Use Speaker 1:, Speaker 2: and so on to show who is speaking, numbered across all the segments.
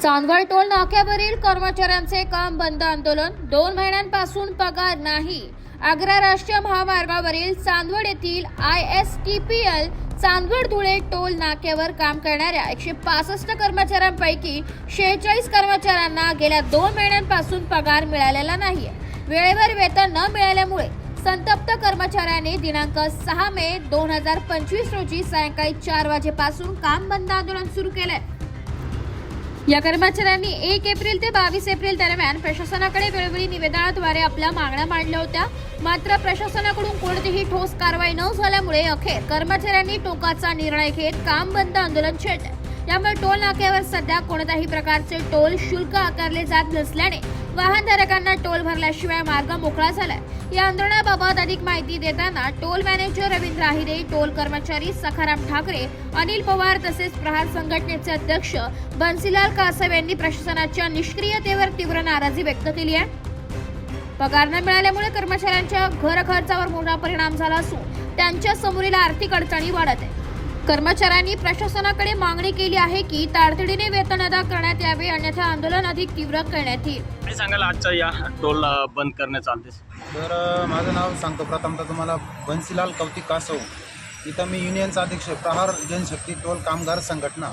Speaker 1: Chandwad toll नाक्यावरील कर्मचाऱ्यांचे काम बंद आंदोलन 2 महिन्यांपासून पगार नाही। आग्रा राष्ट्रीय महामार्गावरील चांदवड येथील ISTPL चांदवड धुळे टोल नाक्यावर काम करणाऱ्या 165 कर्मचाऱ्यांपैकी 46 कर्मचाऱ्यांना गेल्या 2 महिन्यांपासून पगार मिळालेला नाहीये। वेळेवर वेतन न मिळाल्यामुळे संतप्त कर्मचाऱ्यांनी दिनांक 6 मे 2025 रोजी सायंकाळी 4 वाजेपासून काम बंद आंदोलन सुरू केले। या कर्मचाऱ्यांनी 1 एप्रिल ते 22 एप्रिल दरम्यान प्रशासनाकडे वेळोवेळी निवेदनाद्वारे आपल्या मागण्या मांडल्या होत्या, मात्र प्रशासनाकडून कोणतीही ठोस कारवाई न झाल्यामुळे अखेर कर्मचाऱ्यांनी टोकाचा निर्णय घेत काम बंद आंदोलन छेडले। यामुळे टोल नाक्यावर सध्या कोणत्याही प्रकारचे टोल शुल्क आकारले जात नसल्याने वाहनधारकांना टोल भरल्याशिवाय मार्ग मोकळा झालाय। या आंदोलनाबाबत अधिक माहिती देताना toll manager Ravindra Ahire, toll कर्मचारी सखाराम ठाकरे, अनिल पवार तसेच प्रहार संघटनेचे अध्यक्ष बन्सीलाल कासव यांनी प्रशासनाच्या निष्क्रियतेवर तीव्र नाराजी व्यक्त केली आहे। पगार न मिळाल्यामुळे कर्मचाऱ्यांच्या घर खर्चावर मोठा परिणाम झाला असून त्यांच्या समोरील आर्थिक अडचणी वाढत आहेत। कर्मचाऱ्यांनी प्रशासनाकडे मागणी केली आहे की तातडीने वेतन अदा करण्यात यावे, अन्यथा आंदोलन अधिक तीव्र करण्यात येईल।
Speaker 2: काय सांगाल आजच्या या टोल बंद करण्याचा आदेश?
Speaker 3: तर माझं नाव सांगतो प्रथमतः तुम्हाला बन्सीलाल कौतिक कासव। इथं मी युनियनचा अध्यक्ष प्रहार जनशक्ती टोल कामगार संघटना।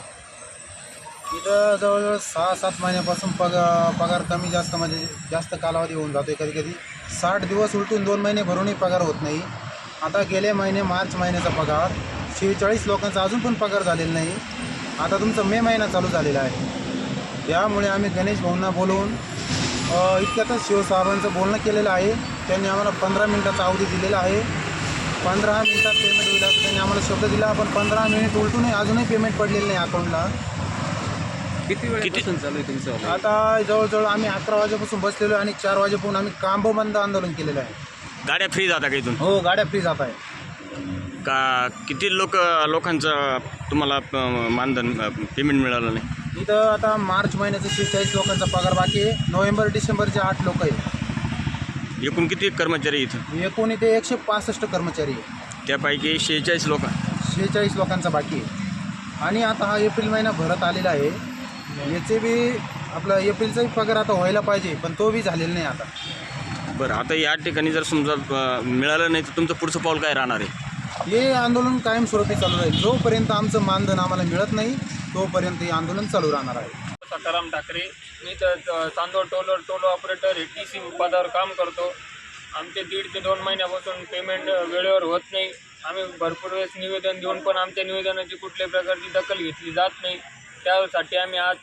Speaker 3: इथं जवळजवळ 6-7 महिन्यापासून पगार कमी जास्त म्हणजे जास्त कालावधी होऊन जातो। कधी कधी 60 दिवस उलटून 2 महिने भरूनही पगार होत नाही। आता गेले महिने मार्च महिन्याचा पगार 46 लोकांचा अजून पण पगार झालेला नाही। आता तुमचा मे महिना चालू झालेला आहे। त्यामुळे आम्ही गणेश भाऊंना बोलवून इतक्यातच शिवसाहेबांचं बोलणं केलेलं आहे। त्यांनी आम्हाला 15 मिनिटाचा अवधी दिलेला आहे। 15 मिनिटात पेमेंट होईल असं त्यांनी आम्हाला शब्द दिला, पण 15 मिनिट उलटूनही अजूनही पेमेंट पडलेलं नाही अकाउंटला।
Speaker 4: किती वेळापासून चालू आहे तुमचं?
Speaker 3: आता जवळजवळ आम्ही 11 वाजेपासून बसलेलो आहे आणि 4 वाजेपासून आम्ही काम बंद आंदोलन केलेलं आहे।
Speaker 2: गाड्या फ्री जाता का इथून?
Speaker 3: हो, गाड्या फ्री जात आहे।
Speaker 2: का किती लोकांचं तुम्हाला मानधन पेमेंट मिळालं नाही?
Speaker 3: इथं आता मार्च महिन्याचं 46 लोकांचा पगार बाकी आहे। नोव्हेंबर डिसेंबरचे 8 लोक आहेत।
Speaker 2: एकूण किती कर्मचारी इथं?
Speaker 3: एकूण इथे 165 कर्मचारी आहे।
Speaker 2: त्यापैकी 46 लोक
Speaker 3: 46 लोकांचा बाकी आहे। आणि आता हा एप्रिल महिना भरत आलेला आहे। याचे बी आपला एप्रिलचाही पगार आता व्हायला पाहिजे, पण तो बी झालेला नाही आता।
Speaker 2: बरं, आता या ठिकाणी जर समजा मिळालं नाही तर तुमचं पुढचं पाऊल काय राहणार आहे?
Speaker 3: हे आंदोलन कायमस्वरूपी चालू राहील। जोपर्यंत आमचं मानधन आम्हाला मिळत नाही तोपर्यंत हे आंदोलन चालू राहणार आहे।
Speaker 5: सखाराम ठाकरे, मी तर चांदवड टोल ऑपरेटर TC पदावर काम करतो। आमचे 1.5 ते 2 महिन्यापासून पेमेंट वेळेवर होत नाही। आम्ही भरपूर वेळेस निवेदन देऊन पण आमच्या निवेदनाची कुठल्याही प्रकारची दखल घेतली जात नाही। त्यासाठी आम्ही आज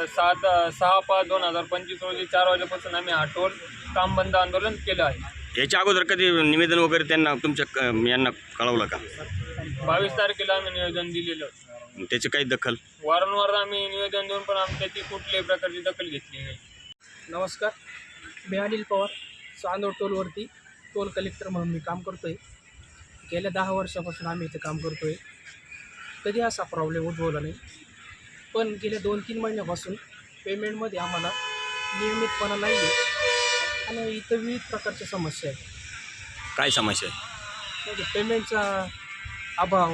Speaker 5: 6/5/2025 रोजी 4 वाजेपासून आम्ही हा टोल काम बंद आंदोलन केलं आहे।
Speaker 2: याच्या अगोदर कधी निवेदन वगैरे त्यांना तुमच्या यांना कळवलं का?
Speaker 5: 22 तारखेला आम्ही निवेदन दिलेलं।
Speaker 2: त्याची काही दखल?
Speaker 5: वारंवार आम्ही निवेदन देऊन पण आमच्याची कुठल्याही प्रकारची दखल घेतली नाही।
Speaker 6: नमस्कार, मी अनिल पवार, चांदवड टोलवरती टोल कलेक्टर म्हणून मी काम करतो आहे। गेल्या 10 वर्षापासून आम्ही इथे काम करतो आहे। कधी असा प्रॉब्लेम उद्भवला नाही, पण गेल्या 2-3 महिन्यापासून पेमेंटमध्ये आम्हाला नियमितपणा नाही आहे आणि इथं विविध प्रकारच्या समस्या आहेत।
Speaker 2: काय समस्या आहे?
Speaker 6: म्हणजे पेमेंटचा अभाव,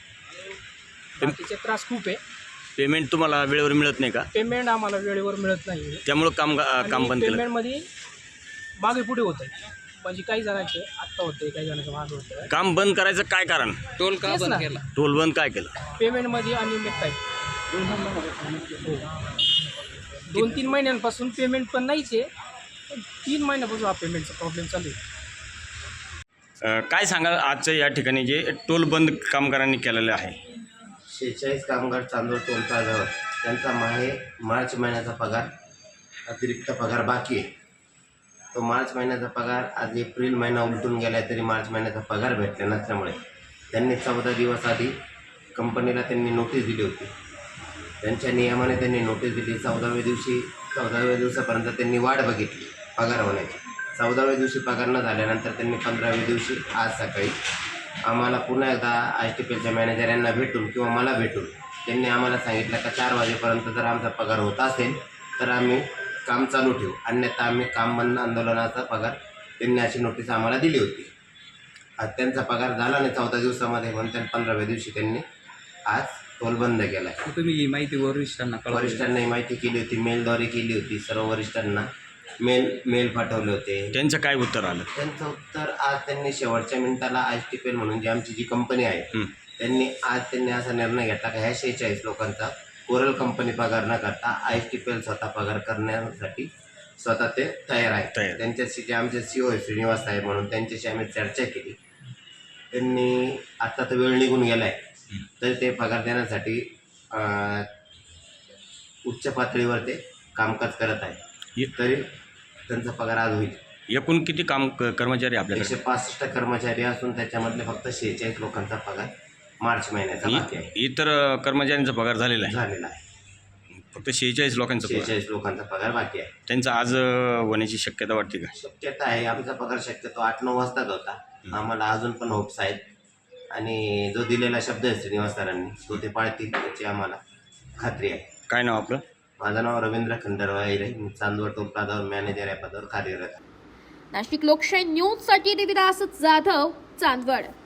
Speaker 6: बाकीचे त्रास खूप आहे।
Speaker 2: पेमेंट तुम्हाला वेळेवर मिळत नाही का?
Speaker 6: पेमेंट आम्हाला वेळेवर मिळत नाही आहे,
Speaker 2: त्यामुळं काम बंद केलं?
Speaker 6: पेमेंटमध्ये मागे पुढे होत आहे। म्हणजे काही जणांचे आत्ता होते, काही जणांचं मागे होतं।
Speaker 2: काम बंद करायचं काय कारण?
Speaker 4: टोल का बंद केला?
Speaker 2: टोल बंद काय केलं?
Speaker 6: पेमेंटमध्ये अनियमितता आहे। 2-3 महिन्यांपासून पेमेंट पण नाहीच आहे, पण 3 महिन्यापासून हा पेमेंटचा प्रॉब्लेम चालू आहे।
Speaker 2: काय सांगाल आजच्या या ठिकाणी जे टोल बंद कामगारांनी केलेलं आहे?
Speaker 7: 46 कामगार चांदवड टोल प्लाझावर त्यांचा मार्च महिन्याचा पगार अतिरिक्त पगार बाकी आहे। तो मार्च महिन्याचा पगार आज एप्रिल महिना उलटून गेला तरी मार्च महिन्याचा पगार भेटला नसल्यामुळे त्यांनी 14 दिवस आधी कंपनीला त्यांनी नोटीस दिली होती। त्यांच्या नियमाने त्यांनी नोटीस दिली। 14व्या दिवसापर्यंत त्यांनी वाट बघितली पगार होण्याची। 14व्या दिवशी पगार न झाल्यानंतर त्यांनी 15व्या दिवशी आज सकाळी आम्हाला पुन्हा एकदा ISTPLच्या मॅनेजर यांना भेटून किंवा मला भेटून त्यांनी आम्हाला सांगितलं का 4 वाजेपर्यंत जर आमचा पगार होत असेल तर आम्ही काम चालू ठेवू, अन्यथा आम्ही काम बंद आंदोलनाचा पगार त्यांनी अशी नोटीस आम्हाला दिली होती। आज त्यांचा पगार झाला नाही 14 दिवसामध्ये, म्हणून त्यांनी 15व्या दिवशी त्यांनी आज टोल बंद केला आहे.
Speaker 4: तुम्ही ही माहिती वरिष्ठांना कळवली?
Speaker 7: वरिष्ठांना ही माहिती केली होती, मेलद्वारे केली होती. सर्व वरिष्ठांना मेल पाठवले होते.
Speaker 2: त्यांचं काय उत्तर आलं?
Speaker 7: त्यांचं उत्तर आज त्यांनी शेवटच्या मिनिटाला ISTPL म्हणून जी आमची जी कंपनी आहे त्यांनी असा निर्णय घेतला की ह्या 46 लोकांचा कोरल कंपनी पगार न करता ISTPL स्वतः पगार करण्यासाठी स्वतः ते तयार आहे. त्यांच्याशी जे आमचे CEO श्रीनिवास साहेब म्हणून त्यांच्याशी आम्ही चर्चा केली. त्यांनी आत्ता तर वेळ निघून गेला आहे तर ते पगार देण्यासाठी उच्च पातळीवर ते कामकाज करत आहे. तरी त्यांचा पगार आज होईल.
Speaker 2: एकूण किती कर्मचारी आपल्याकडे?
Speaker 7: 165 कर्मचारी असून त्याच्यामधले फक्त 46 लोकांचा पगार मार्च महिन्याचा बाकी आहे.
Speaker 2: इतर कर्मचाऱ्यांचा पगार झालेला
Speaker 7: झालेला आहे.
Speaker 2: आहे, फक्त 46 लोकांचा पगार.
Speaker 7: 46 लोकांचा पगार बाकी आहे.
Speaker 2: त्यांचा आज होण्याची शक्यता वाटते का?
Speaker 7: शक्यता आहे. आमचा पगार शक्यतो 8-9 वाजताच होता. आम्हाला अजून पण होप्स आहेत आणि जो दिलेला शब्द आहे श्रीनिवास सरांनी तो ते पाळतील याची आम्हाला खात्री आहे.
Speaker 2: काय नाव आपलं?
Speaker 7: माझं नाव रवींद्र खंडराव आहे. मी चांदवड टोल प्लाझावर मॅनेजर या पदावर कार्यरत आहे.
Speaker 1: नाशिक लोकशाही न्यूजसाठी देविदास जाधव, चांदवड.